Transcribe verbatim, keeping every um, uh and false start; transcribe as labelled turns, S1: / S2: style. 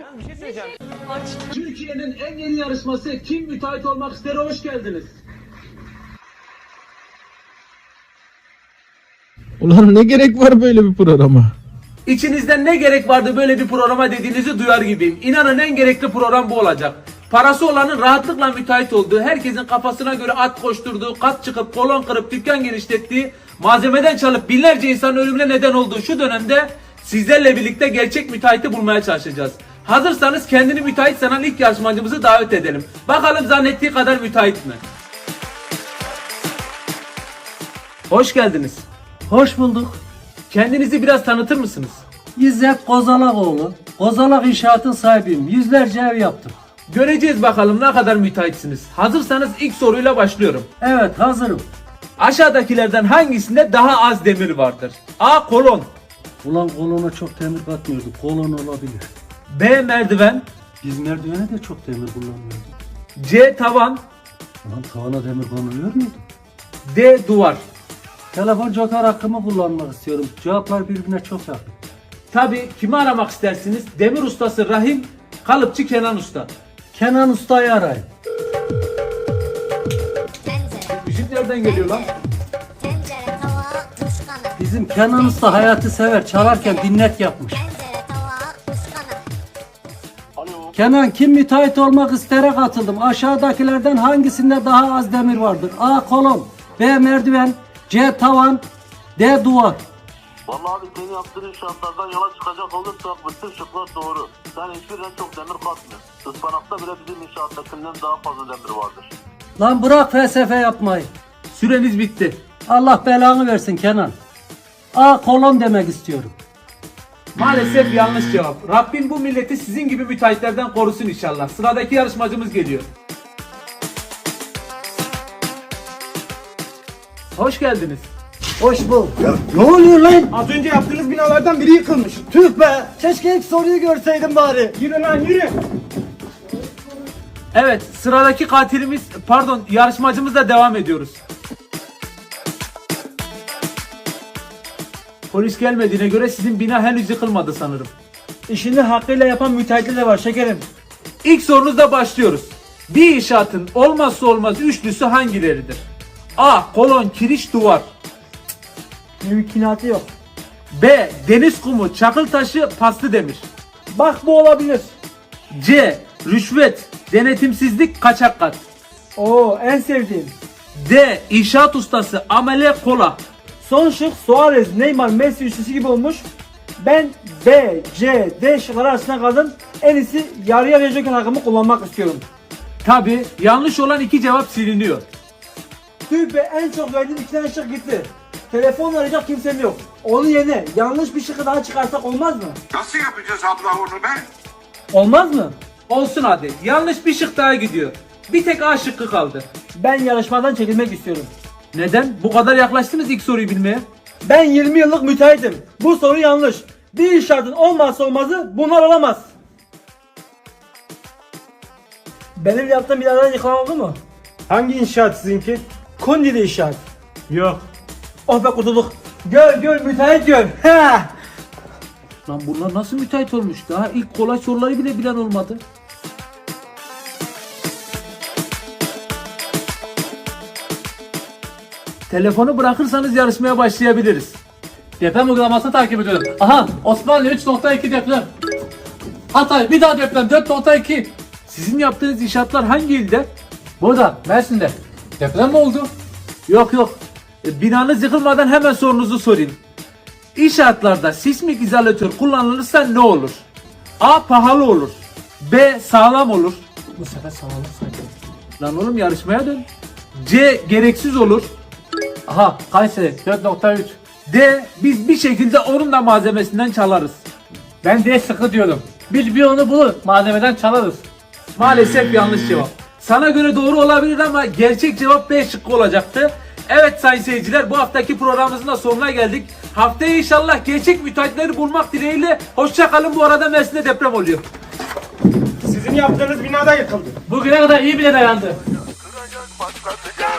S1: Yalnız bir şey söyleyeceğim.
S2: Türkiye'nin en yeni yarışması Kim Müteahhit Olmak İster'e hoş geldiniz.
S3: Ulan ne gerek var böyle bir programa?
S2: İçinizden ne gerek vardı böyle bir programa dediğinizi duyar gibiyim. İnanın en gerekli program bu olacak. Parası olanın rahatlıkla müteahhit olduğu, herkesin kafasına göre at koşturduğu, kat çıkıp kolon kırıp dükkan genişlettiği, malzemeden çalıp binlerce insanın ölümüne neden olduğu şu dönemde sizlerle birlikte gerçek müteahhiti bulmaya çalışacağız. Hazırsanız kendini müteahhit sanan ilk yarışmacımızı davet edelim. Bakalım zannettiği kadar müteahhit mi? Hoş geldiniz.
S4: Hoş bulduk.
S2: Kendinizi biraz tanıtır mısınız?
S4: İzzet Kozalakoğlu. Kozalak İnşaat'ın sahibiyim. Yüzlerce ev yaptım.
S2: Göreceğiz bakalım ne kadar müteahhitsiniz. Hazırsanız ilk soruyla başlıyorum.
S4: Evet, hazırım.
S2: Aşağıdakilerden hangisinde daha az demir vardır? A. Kolon.
S4: Ulan kolona çok demir katmıyorduk. Kolon olabilir.
S2: B. Merdiven.
S4: Biz merdivene de çok demir kullanmıyorduk.
S2: C. Tavan.
S4: Ulan tavana demir konuluyor muydu?
S2: D. Duvar.
S4: Telefon joker hakkımı kullanmak istiyorum. Cevaplar birbirine çok yakın.
S2: Tabi kimi aramak istersiniz? Demir ustası Rahim, kalıpçı Kenan Usta.
S4: Kenan Usta'yı arayın.
S2: Müzik nereden geliyor lan?
S5: Tencere, tava, kuşkanı.
S4: Bizim Kenan Usta hayatı sever. Çalarken dinlet yapmış.
S5: Tencere, tava, kuşkanı.
S4: Kenan, Kim Müteahhit Olmak İster'e katıldım. Aşağıdakilerden hangisinde daha az demir vardır? A. Kolon. B. Merdiven. C. Tavan. D. Duvar.
S6: Vallahi abi senin yaptığın inşaatlardan yola çıkacak olursak bütün şıklar doğru. Sen hiçbirine çok demir katmıyorsun. Ispanakta bile bizim inşaattakinden daha fazla demir vardır.
S4: Lan bırak felsefe yapmayı.
S2: Süreniz bitti.
S4: Allah belanı versin Kenan. A. Kolon demek istiyorum.
S2: Maalesef yanlış cevap. Rabbim bu milleti sizin gibi müteahhitlerden korusun inşallah. Sıradaki yarışmacımız geliyor. Hoş geldiniz.
S4: Hoş bulduk. Ne oluyor lan?
S1: Az önce yaptığınız binalardan biri yıkılmış.
S4: Tüh be. Keşke ilk soruyu görseydim bari.
S1: Yürü lan yürü.
S2: Evet, sıradaki katilimiz, pardon yarışmacımızla devam ediyoruz. Polis gelmediğine göre sizin bina henüz yıkılmadı sanırım.
S1: İşini hakkıyla yapan müteahhitler de var şekerim.
S2: İlk sorunuzla başlıyoruz. Bir inşaatın olmazsa olmaz üçlüsü hangileridir? A. Kolon, kiriş, duvar.
S1: Mümkünatı yok.
S2: B. Deniz kumu, çakıl taşı, paslı demir.
S1: Bak bu olabilir.
S2: C. Rüşvet, denetimsizlik, kaçak kat.
S1: Oo en sevdiğim.
S2: D. İnşaat ustası, amele, kola.
S1: Son şık Suarez, Neymar, Messi üçlüsü gibi olmuş. Ben B, C, D şıkları arasında kaldım. En iyisi yarı yarıya joker hakkımı kullanmak istiyorum.
S2: Tabi yanlış olan iki cevap siliniyor.
S1: Tüh be, en çok verdiğim iki tane şık gitti. Telefon arayacak kimsem yok. Onun yerine yanlış bir şıkkı daha çıkarsak olmaz mı?
S7: Nasıl yapacağız abla onu be?
S1: Olmaz mı?
S2: Olsun hadi. Yanlış bir şık daha gidiyor. Bir tek A şıkkı kaldı.
S1: Ben yarışmadan çekilmek istiyorum.
S2: Neden? Bu kadar yaklaştınız ilk soruyu bilmeye.
S1: Ben yirmi yıllık müteahhitim. Bu soru yanlış. Bir inşaatın olmazsa olmazı bunlar olamaz. Benim yaptığım binadan yıkılan oldu mu?
S8: Hangi inşaat sizinki?
S1: Kundili inşaat.
S8: Yok.
S1: Oh be kurtulduk. Gör gör müteahhit gör. Ha.
S2: Lan bunlar nasıl müteahhit olmuş? Daha ilk kolay soruları bile bilen olmadı. Telefonu bırakırsanız yarışmaya başlayabiliriz.
S4: Deprem uygulamasını takip ediyorum. Aha, Osmanlı üç nokta iki deprem. Hatay bir daha deprem dört nokta iki.
S2: Sizin yaptığınız inşaatlar hangi ilde?
S4: Burada Mersin'de. Deprem mi oldu?
S2: Yok yok. E, binanız yıkılmadan hemen sorunuzu sorayım. İnşaatlarda sismik izolatör kullanılırsa ne olur? A. Pahalı olur. B. Sağlam olur.
S4: Bu sefer sağlam saydım.
S2: Lan oğlum yarışmaya dön. C. Gereksiz olur.
S4: Aha, Kayseri dört nokta üç.
S2: D. Biz bir şekilde onun da malzemesinden çalarız.
S4: Ben D sıkı diyorum. Biz bir onu bulur malzemeden çalarız.
S2: Maalesef yanlış cevap. Sana göre doğru olabilir ama gerçek cevap B şıkkı olacaktı. Evet sayın seyirciler, bu haftaki programımızın da sonuna geldik. Haftaya inşallah gerçek müteahhitleri bulmak dileğiyle. Hoşça kalın. Bu arada Mersin'de deprem oluyor.
S8: Sizin yaptığınız binada yıkıldı.
S4: Bugüne kadar iyi bile dayandı.
S7: Kıracak başladı.